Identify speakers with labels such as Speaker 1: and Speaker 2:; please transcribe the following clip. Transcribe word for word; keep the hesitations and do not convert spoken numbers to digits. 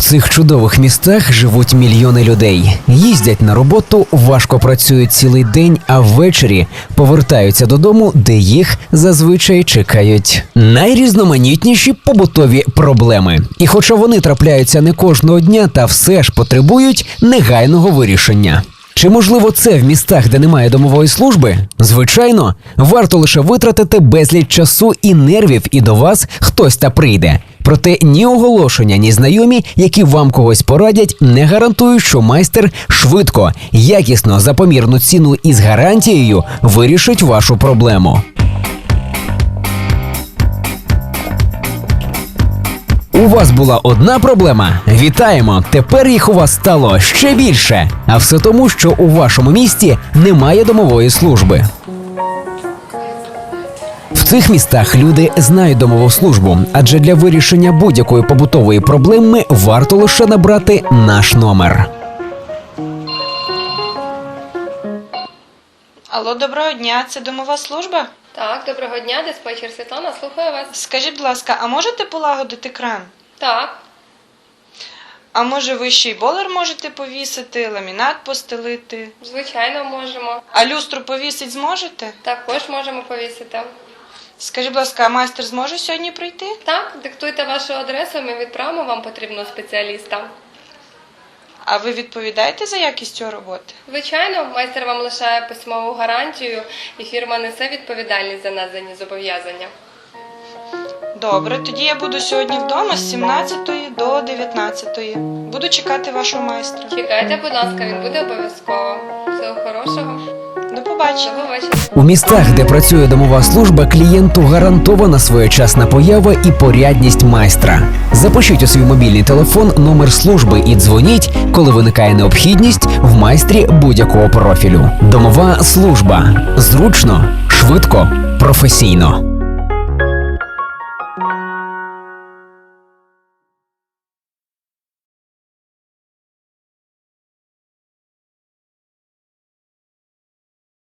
Speaker 1: цих чудових містах живуть мільйони людей. Їздять на роботу, важко працюють цілий день, а ввечері повертаються додому, де їх зазвичай чекають найрізноманітніші побутові проблеми. І хоча вони трапляються не кожного дня, та все ж потребують негайного вирішення. Чи можливо це в містах, де немає домової служби? Звичайно, варто лише витратити безліч часу і нервів, і до вас хтось та прийде. Проте ні оголошення, ні знайомі, які вам когось порадять, не гарантують, що майстер швидко, якісно, за помірну ціну і з гарантією вирішить вашу проблему. У вас була одна проблема? Вітаємо! Тепер їх у вас стало ще більше. А все тому, що у вашому місті немає домової служби. В цих містах люди знають домову службу, адже для вирішення будь-якої побутової проблеми варто лише набрати наш номер.
Speaker 2: Алло, доброго дня, це домова служба?
Speaker 3: Так, доброго дня, диспетчер Світлана, слухаю вас.
Speaker 2: Скажіть, будь ласка, а можете полагодити кран?
Speaker 3: Так,
Speaker 2: А може ви ще й болер можете повісити, ламінат постелити?
Speaker 3: звичайно, можемо.
Speaker 2: А люстру повісить зможете?
Speaker 3: Також можемо повісити.
Speaker 2: Скажіть, будь ласка, а майстер зможе сьогодні прийти?
Speaker 3: Так, диктуйте вашу адресу, ми відправимо вам потрібного спеціаліста.
Speaker 2: А ви відповідаєте за якість цього роботи?
Speaker 3: Звичайно, майстер вам лишає письмову гарантію і фірма несе відповідальність за надані зобов'язання.
Speaker 2: Добре, тоді я буду сьогодні вдома з сімнадцятої до дев'ятнадцятої. Буду чекати вашого майстра.
Speaker 3: Чекайте, будь ласка, він буде обов'язково. Всього хорошого.
Speaker 2: До побачення.
Speaker 3: До побачення.
Speaker 1: У містах, де працює домова служба, клієнту гарантована своєчасна поява і порядність майстра. Запишіть у свій мобільний телефон номер служби і дзвоніть, коли виникає необхідність в майстрі будь-якого профілю. Домова служба. Зручно, швидко, професійно.